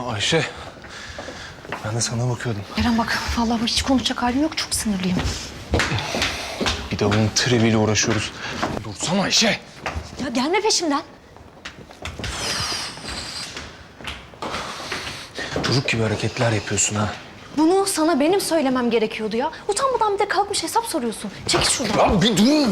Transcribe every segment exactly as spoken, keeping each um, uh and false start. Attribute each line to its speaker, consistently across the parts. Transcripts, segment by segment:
Speaker 1: Ayşe, ben de sana bakıyordum.
Speaker 2: Eren bak, vallahi hiç konuşacak halim yok. Çok sinirliyim.
Speaker 1: Bir de bunun triviyle uğraşıyoruz. Dursana Ayşe.
Speaker 2: Ya gelme peşimden.
Speaker 1: Çocuk gibi hareketler yapıyorsun ha.
Speaker 2: Bunu sana benim söylemem gerekiyordu ya. Utanmadan bir de kalkmış hesap soruyorsun. Çekil şuradan.
Speaker 1: Ya bir dur.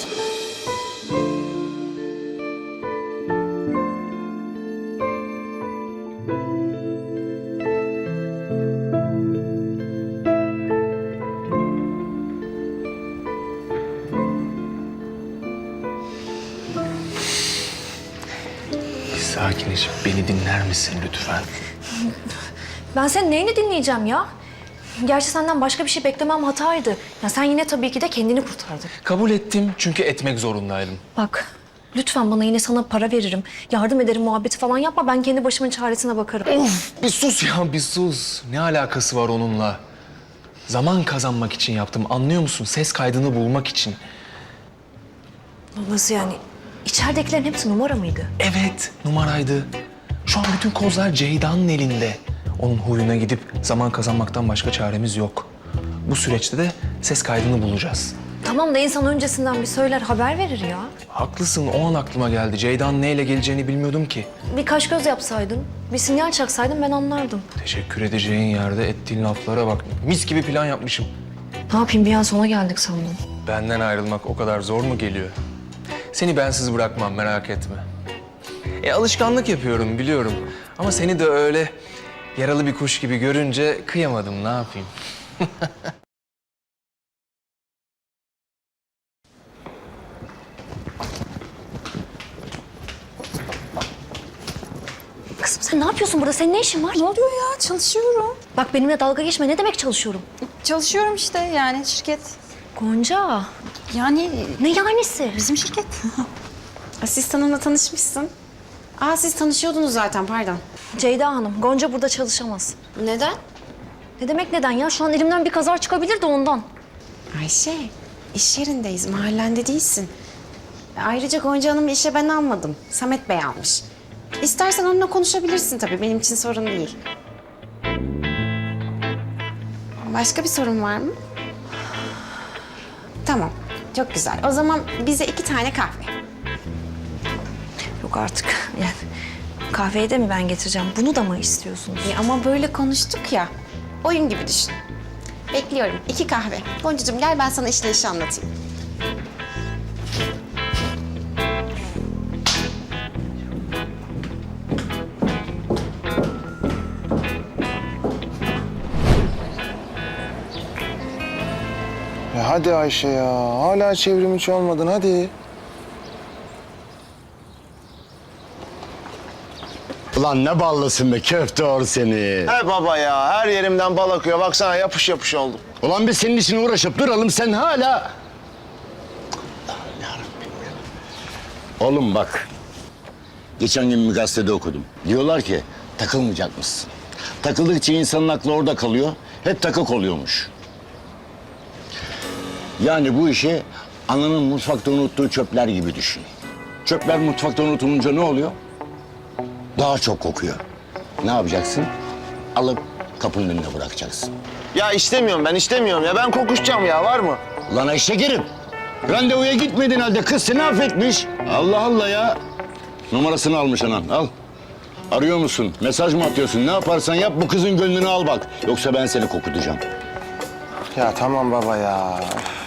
Speaker 1: Sakinleşip beni dinler misin lütfen?
Speaker 2: Ben senin neyini dinleyeceğim ya? Gerçi senden başka bir şey beklemem hataydı. Ya sen yine tabii ki de kendini kurtardın.
Speaker 1: Kabul ettim çünkü etmek zorundaydım.
Speaker 2: Bak, lütfen bana yine sana para veririm. Yardım ederim muhabbeti falan yapma. Ben kendi başımın çaresine bakarım.
Speaker 1: Of, bir sus ya, bir sus. Ne alakası var onunla? Zaman kazanmak için yaptım, anlıyor musun? Ses kaydını bulmak için.
Speaker 2: Nasıl yani? İçeridekilerin hepsi numara mıydı?
Speaker 1: Evet, numaraydı. Şu an bütün kozlar Ceyda'nın elinde. Onun huyuna gidip zaman kazanmaktan başka çaremiz yok. Bu süreçte de ses kaydını bulacağız.
Speaker 2: Tamam da insan öncesinden bir söyler, haber verir ya.
Speaker 1: Haklısın, o an aklıma geldi. Ceyda'nın neyle geleceğini bilmiyordum ki.
Speaker 2: Bir kaş göz yapsaydın, bir sinyal çaksaydın ben anlardım.
Speaker 1: Teşekkür edeceğin yerde ettiğin laflara bak. Mis gibi plan yapmışım.
Speaker 2: Ne yapayım, bir an sona geldik sandım.
Speaker 1: Benden ayrılmak o kadar zor mu geliyor? Seni bensiz bırakmam, merak etme. E alışkanlık yapıyorum, biliyorum. Ama seni de öyle yaralı bir kuş gibi görünce kıyamadım, ne yapayım?
Speaker 2: Kızım sen ne yapıyorsun burada? Senin ne işin var?
Speaker 3: Ne oluyor ya? Çalışıyorum.
Speaker 2: Bak benimle dalga geçme. Ne demek çalışıyorum?
Speaker 3: Çalışıyorum işte yani şirket.
Speaker 2: Gonca.
Speaker 3: Yani
Speaker 2: Ne yanisi?
Speaker 3: bizim şirket. Asistanımla tanışmışsın. Aa siz tanışıyordunuz zaten pardon.
Speaker 2: Ceyda Hanım, Gonca burada çalışamaz.
Speaker 3: Neden?
Speaker 2: Ne demek neden ya? Şu an elimden bir kazar çıkabilir de ondan.
Speaker 3: Ayşe iş yerindeyiz mahallende değilsin. Ayrıca Gonca Hanım'ı işe ben almadım. Samet Bey almış. İstersen onunla konuşabilirsin tabii benim için sorun değil. Başka bir sorun var mı? Tamam çok güzel. O zaman bize iki tane kahve.
Speaker 2: Yok artık. Yani kahveyi de mi ben getireceğim? Bunu da mı istiyorsunuz?
Speaker 3: E ama böyle konuştuk ya. Oyun gibi düşün. Bekliyorum. İki kahve. Goncacığım gel ben sana işleyişi anlatayım.
Speaker 4: Ya hadi Ayşe ya. Hala çevrim içi olmadın hadi.
Speaker 5: Ulan ne ballısın be köfte or seni.
Speaker 4: He baba ya. Her yerimden bal akıyor. Baksana yapış yapış oldum.
Speaker 5: Ulan biz senin için uğraşıp duralım sen hala... Oğlum bak. Geçen gün bir gazetede okudum. Diyorlar ki takılmayacakmışsın. Takıldıkça insanın aklı orada kalıyor. Hep takık oluyormuş. Yani bu işi ananın mutfakta unuttuğu çöpler gibi düşün. Çöpler mutfakta unutulunca ne oluyor? Daha çok kokuyor. Ne yapacaksın? Alıp kapının önüne bırakacaksın.
Speaker 4: Ya istemiyorum ben istemiyorum ya. Ben kokuşacağım ya. Var mı?
Speaker 5: Lan Ayşe Kerim, randevuya gitmedin halde kız seni affetmiş. Allah Allah ya. Numarasını almış anan, al. Arıyor musun, mesaj mı atıyorsun? Ne yaparsan yap bu kızın gönlünü al bak. Yoksa ben seni kokutacağım.
Speaker 4: Ya tamam baba ya.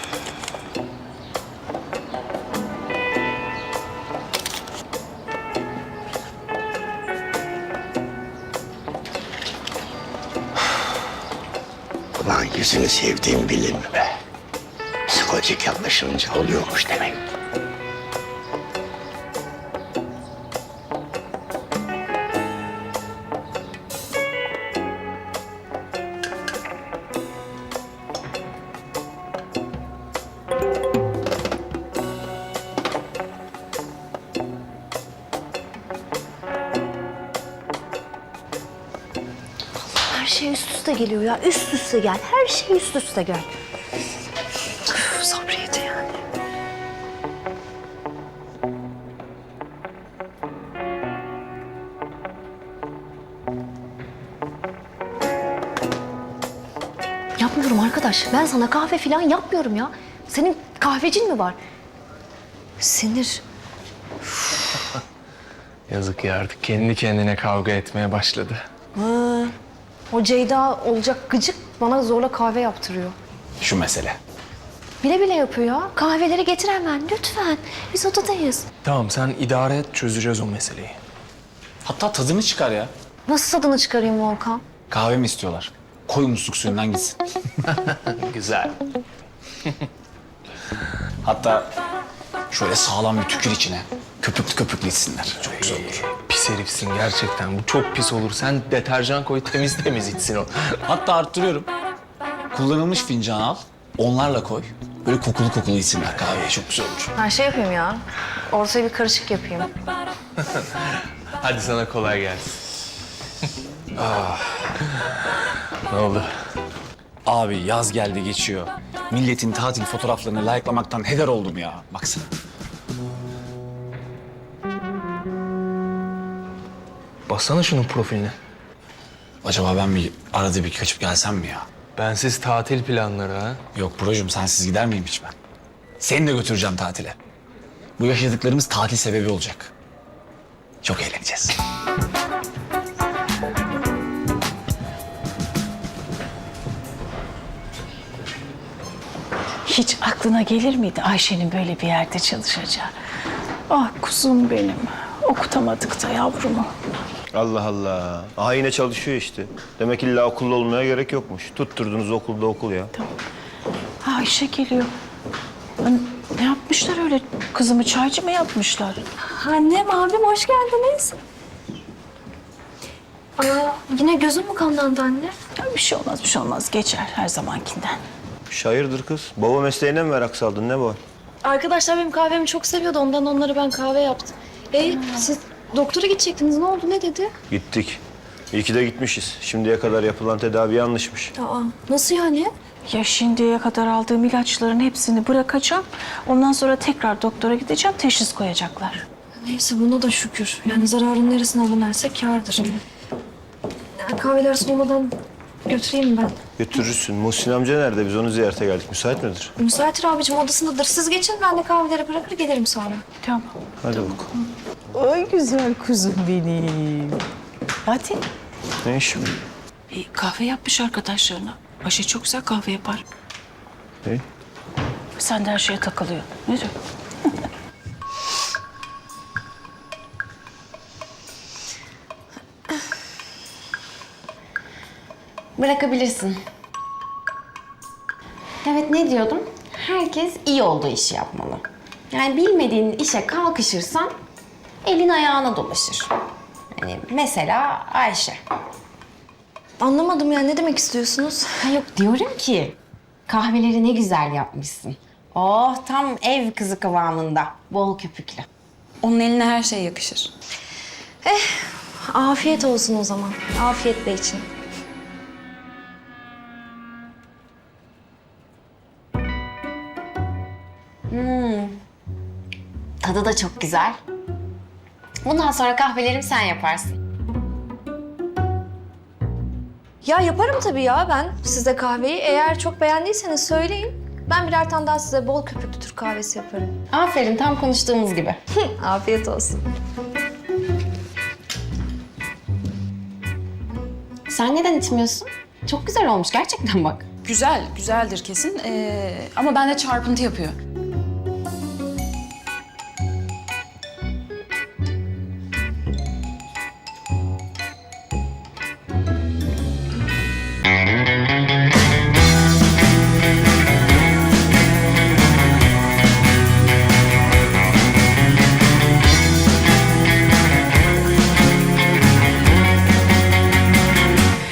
Speaker 5: Ulan yüzünü sevdiğim bilir mi be? Psikolojik yaklaşınca oluyormuş demek.
Speaker 2: Her şey üst üste geliyor ya. Üst üste gel. Her şey üst üste gel. Üf, sabriyeti yani. arkadaş ben sana kahve falan yapmıyorum ya. Senin kahvecin mi var? Sinir.
Speaker 1: Yazık ya artık kendi kendine kavga etmeye başladı.
Speaker 2: Ha, o Ceyda olacak gıcık bana zorla kahve yaptırıyor.
Speaker 6: Şu mesele.
Speaker 2: Bile bile yapıyor ya. Kahveleri getir hemen lütfen. Biz odadayız.
Speaker 1: Tamam sen idare et çözeceğiz o meseleyi.
Speaker 6: Hatta tadını çıkar ya.
Speaker 2: Nasıl tadını çıkarayım Volkan?
Speaker 6: Kahve mi istiyorlar? Koy musluk suyundan gitsin.
Speaker 1: Güzel.
Speaker 6: Hatta şöyle sağlam bir tükür içine. Köpüklü köpüklü içsinler. Çok güzel olur.
Speaker 1: Pis herifsin gerçekten. Bu çok pis olur. Sen deterjan koy temiz temiz içsin o.
Speaker 6: Hatta arttırıyorum. Kullanılmış fincan al. Onlarla koy. Böyle kokulu kokulu içsinler kahveyi. Çok güzel olur.
Speaker 2: Ben şey yapayım ya. Ortaya bir karışık yapayım.
Speaker 1: Hadi sana kolay gelsin. ah. Ne oldu?
Speaker 6: Abi yaz geldi geçiyor. Milletin tatil fotoğraflarını layıklamaktan heder oldum ya. Baksana.
Speaker 1: Bassana şunun profiline.
Speaker 6: Acaba ben bir arada bir kaçıp gelsem mi ya?
Speaker 1: Bensiz tatil planları ha.
Speaker 6: Yok brocum sensiz gider miyim hiç ben? Seni de götüreceğim tatile. Bu yaşadıklarımız tatil sebebi olacak. Çok eğleneceğiz.
Speaker 7: Hiç aklına gelir miydi Ayşe'nin böyle bir yerde çalışacağı? Ah kuzum benim. Okutamadık da yavrumu.
Speaker 8: Allah Allah. Aha yine çalışıyor işte. Demek illa okulda olmaya gerek yokmuş. Tutturdunuz okulda okul ya.
Speaker 7: Ha, Ayşe geliyor. Lan ne yapmışlar öyle? Kızımı çaycı mı yapmışlar?
Speaker 2: Annem, abim hoş geldiniz. Aa, yine gözüm mü kanlandı anne?
Speaker 7: Ya bir şey olmaz, bir şey olmaz. Geçer her zamankinden.
Speaker 8: Şairdir kız. Baba mesleğine mi merak saldın ne bu?
Speaker 2: Arkadaşlar benim kahvemi çok seviyordu. Ondan onlara ben kahve yaptım. E siz doktora gidecektiniz. Ne oldu? Ne dedi?
Speaker 8: Gittik. İyi ki de gitmişiz. Şimdiye kadar yapılan tedavi yanlışmış.
Speaker 2: Aa, nasıl yani?
Speaker 7: Ya şimdiye kadar aldığım ilaçların hepsini bırakacağım. Ondan sonra tekrar doktora gideceğim, teşhis koyacaklar.
Speaker 2: Neyse buna da şükür. Yani zararın neresine alınırsa kârdır. Ya, kahveler soğumadan götüreyim ben.
Speaker 8: Götürürsün. Muhsin amca nerede? Biz onu ziyarete geldik. Müsait midir?
Speaker 2: Müsaitir abicim odasındadır. Siz geçin ben de kahveleri bırakır gelirim sonra.
Speaker 7: Tamam.
Speaker 8: Hadi bakalım.
Speaker 7: Ay güzel kuzum benim. Hadi.
Speaker 8: Ne işi bu?
Speaker 7: E, kahve yapmış arkadaşlarına. Ayşe çok güzel kahve yapar.
Speaker 8: Ne?
Speaker 7: Sen de her şeye takılıyor. Ne diyor?
Speaker 3: Bırakabilirsin. Evet ne diyordum? Herkes iyi olduğu işi yapmalı. Yani bilmediğin işe kalkışırsan elin ayağına dolaşır. Yani mesela Ayşe.
Speaker 2: Anlamadım ya ne demek istiyorsunuz?
Speaker 3: Ha yok diyorum ki kahveleri ne güzel yapmışsın. Oh tam ev kızı kıvamında. Bol köpüklü.
Speaker 9: Onun eline her şey yakışır.
Speaker 2: Afiyet olsun o zaman. Afiyet bey için.
Speaker 3: Tadı da çok güzel. Bundan sonra kahvelerimi sen yaparsın.
Speaker 2: Ya yaparım tabii ya ben size kahveyi. Eğer çok beğendiyseniz söyleyin. Ben birer tane daha size bol köpüklü Türk kahvesi yaparım.
Speaker 3: Aferin tam konuştuğumuz gibi.
Speaker 2: Afiyet olsun.
Speaker 3: Sen neden içmiyorsun? Çok güzel olmuş gerçekten bak.
Speaker 9: Güzel, güzeldir kesin. Ee, ama bende çarpıntı yapıyor.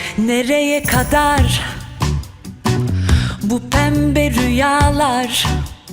Speaker 10: Nereye kadar bu pembe rüyalar?